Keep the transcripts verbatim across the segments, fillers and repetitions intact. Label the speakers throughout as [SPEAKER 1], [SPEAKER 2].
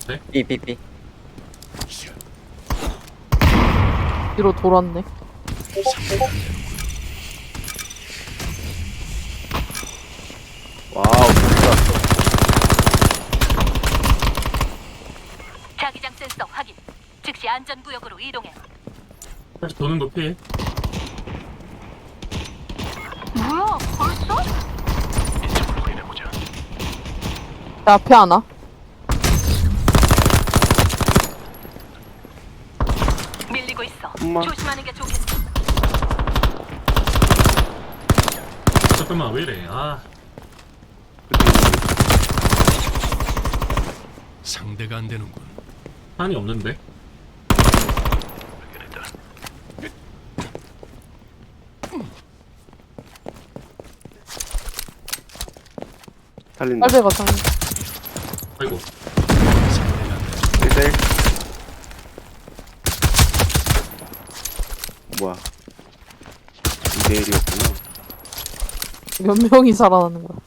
[SPEAKER 1] 앞에.
[SPEAKER 2] B B B.
[SPEAKER 3] 뒤로 돌았네.
[SPEAKER 2] 와우 진짜.
[SPEAKER 4] 자기장 센서 확인. 즉시 안전구역으로 이동해.
[SPEAKER 1] 다시 도는 거 피해.
[SPEAKER 4] 뭐야? 벌써?
[SPEAKER 3] 내 앞에 하나.
[SPEAKER 4] 밀리고 있어.
[SPEAKER 2] 엄마.
[SPEAKER 4] 조심하는 게 좋겠어.
[SPEAKER 1] 잠깐만 왜 이래? 아
[SPEAKER 5] 상대가 안 되는군.
[SPEAKER 1] 한이 없는데.
[SPEAKER 2] 살린다.
[SPEAKER 3] 빨배가 상.
[SPEAKER 1] 아이고.
[SPEAKER 5] 상대가 안 되는
[SPEAKER 2] 일 대 일. 뭐야? 이 대 일이었구나.
[SPEAKER 3] 몇 명이 살아나는 거야.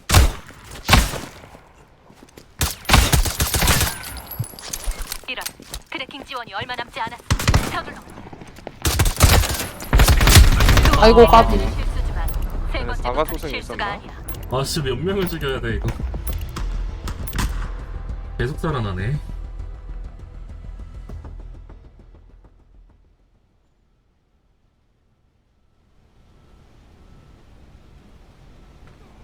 [SPEAKER 4] 이런 트래킹 지원이 얼마 남지 않았어. 서둘러.
[SPEAKER 3] 아이고, 까비.
[SPEAKER 4] 실수지만 세
[SPEAKER 2] 아니,
[SPEAKER 4] 번째
[SPEAKER 2] 사과소생이
[SPEAKER 4] 실수가
[SPEAKER 2] 있었나?
[SPEAKER 4] 아니야.
[SPEAKER 1] 아씨 몇 명을 죽여야 돼 이거. 계속 살아나네.